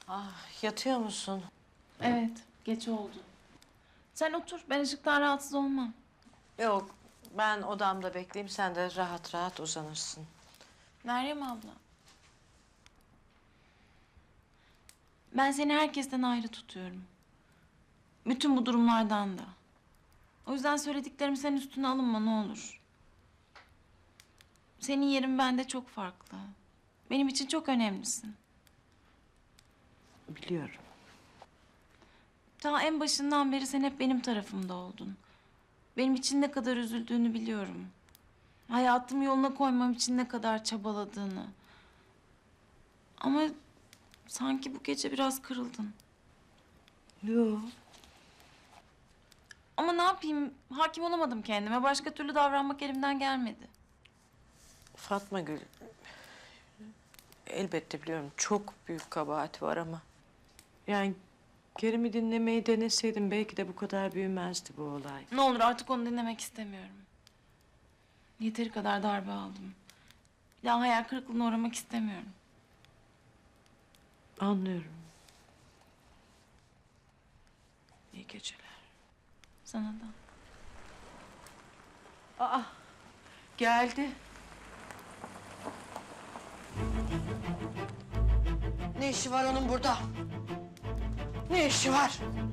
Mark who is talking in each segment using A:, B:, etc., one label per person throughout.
A: Ah, yatıyor musun?
B: Evet, geç oldu. Sen otur, ben ışıktan rahatsız olmam.
A: Yok, ben odamda bekleyeyim. Sen de rahat rahat uzanırsın.
B: Meryem abla. Ben seni herkesten ayrı tutuyorum. Bütün bu durumlardan da. O yüzden söylediklerim senin üstüne alınma ne olur. Senin yerin bende çok farklı. Benim için çok önemlisin.
A: Biliyorum.
B: Ta en başından beri sen hep benim tarafımda oldun. Benim için ne kadar üzüldüğünü biliyorum. Hayatımı yoluna koymam için ne kadar çabaladığını. Ama sanki bu gece biraz kırıldın.
A: Yok.
B: Ama ne yapayım? Hakim olamadım kendime. Başka türlü davranmak elimden gelmedi.
A: Fatma Gül, elbette biliyorum çok büyük kabahat var ama... Yani Kerim'i dinlemeyi deneseydim belki de bu kadar büyümezdi bu olay.
B: Ne olur artık onu dinlemek istemiyorum. Yeteri kadar darbe aldım. Bir daha hayal kırıklığına uğramak istemiyorum.
A: Anlıyorum. İyi geceler.
B: Sana da.
A: Aa, geldi.
C: Ne işi var onun burada? Ne işi var?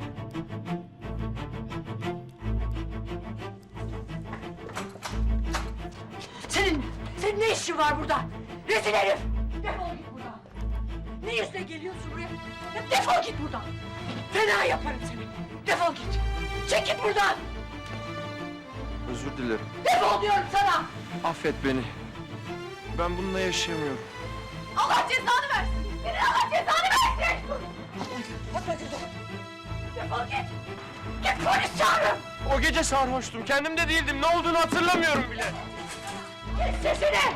C: Senin ne işin var burada? Rezil herif! Defol git buradan! Ne yüzle geliyorsun buraya? Ya defol git buradan! Fena yaparım seni! Defol git! Çek git buradan!
D: Özür dilerim.
C: Defol diyorum sana!
D: Affet beni. Ben bununla yaşayamıyorum.
C: Allah cezanı versin! Senin Allah cezanı versin! Atma çocuğum! Defol git! Git polis çağırın!
D: O gece sarhoştum. Kendimde değildim. Ne olduğunu hatırlamıyorum bile.
C: Kes sesini!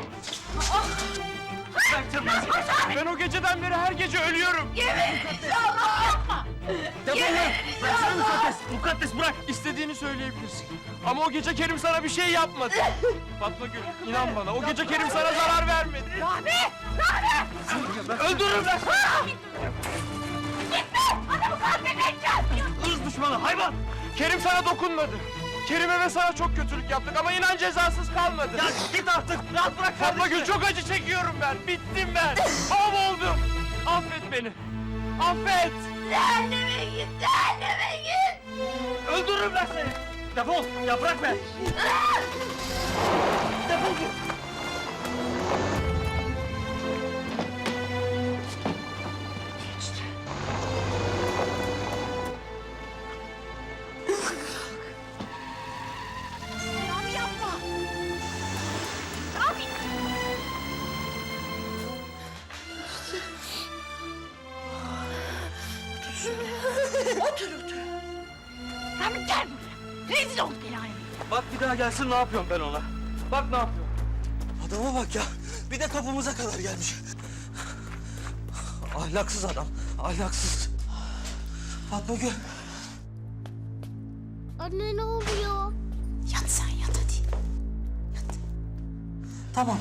D: Ben o geceden beri her gece ölüyorum.
C: İnşallah yapma!
D: Bıraksana mukaddes. Mukaddes bırak. İstediğini söyleyebilirsin. Ama o gece Kerim sana bir şey yapmadı. Fatma Gül, inan bana. O gece Kerim sana zarar vermedi.
C: Rahmi! Rahmi!
D: Öldürürüm ben.
C: Gitme! Adamı katledeceğim!
D: Irz düşmanı hayvan. Kerim sana dokunmadı. Kerim'e ve sana çok kötülük yaptık ama inan cezasız kalmadı. Ya git artık. Rahat bırak Fatma Gül, çok acı çekiyorum ben. Bittim ben. Mahvoldum. Affet beni. Affet.
C: Cehenneme git! Cehenneme git!
D: Öldürürüm ben seni. Defol. Ya bırak beni.
C: Defol git! Rami yapma! Rami! Otur, otur. Rami gel buraya. Rezil olduk el aleme.
D: Bak bir daha gelsin ne yapıyorum ben ona. Bak ne yapıyorum.
E: Adama bak ya. Bir de kapımıza kadar gelmiş. Ahlaksız adam. Ahlaksız. Fatma Gül.
F: Anne ne oluyor?
C: Yat sen yat hadi.
E: Tamam.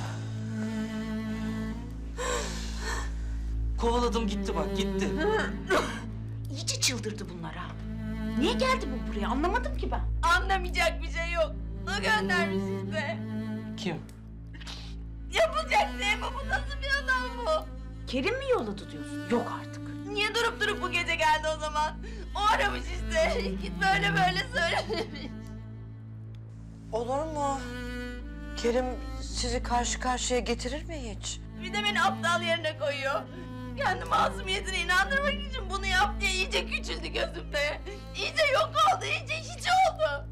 E: Kovaladım gitti bak gitti.
C: İyice çıldırdı bunlar ha. Niye geldi bu buraya anlamadım ki ben. Anlamayacak bir şey yok. O göndermiş işte.
E: Kim?
C: Yapılacak şey mi bu? Nasıl bir adam bu? Kerim mi yolladı diyorsun? Yok artık. Niye durup durup bu gece geldi o zaman? O aramış işte. Git böyle böyle söylemiş.
A: Olur mu? Kerim sizi karşı karşıya getirir mi hiç?
C: Bir de beni aptal yerine koyuyor. Kendi masumiyetine inandırmak için bunu yap diye iyice küçüldü gözümde. İyice yok oldu, iyice hiç oldu.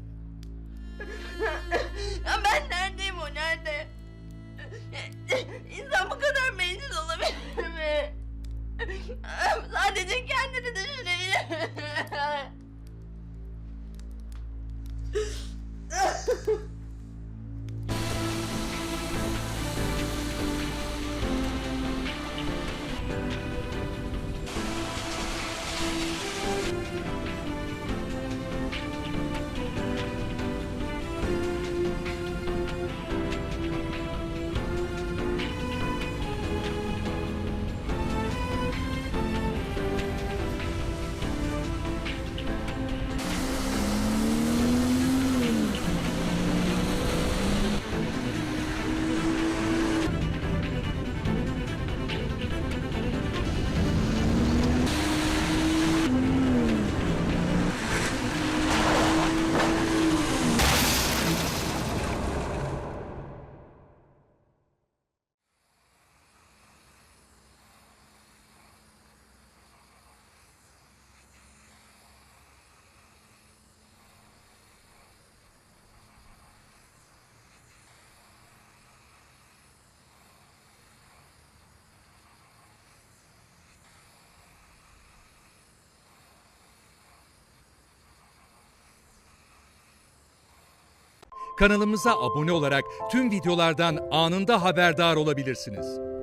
C: Ya ben neredeyim o nerede? İnsan bu kadar bencil olabilir mi? Sadece kendini düşünebilir.
F: Kanalımıza abone olarak tüm videolardan anında haberdar olabilirsiniz.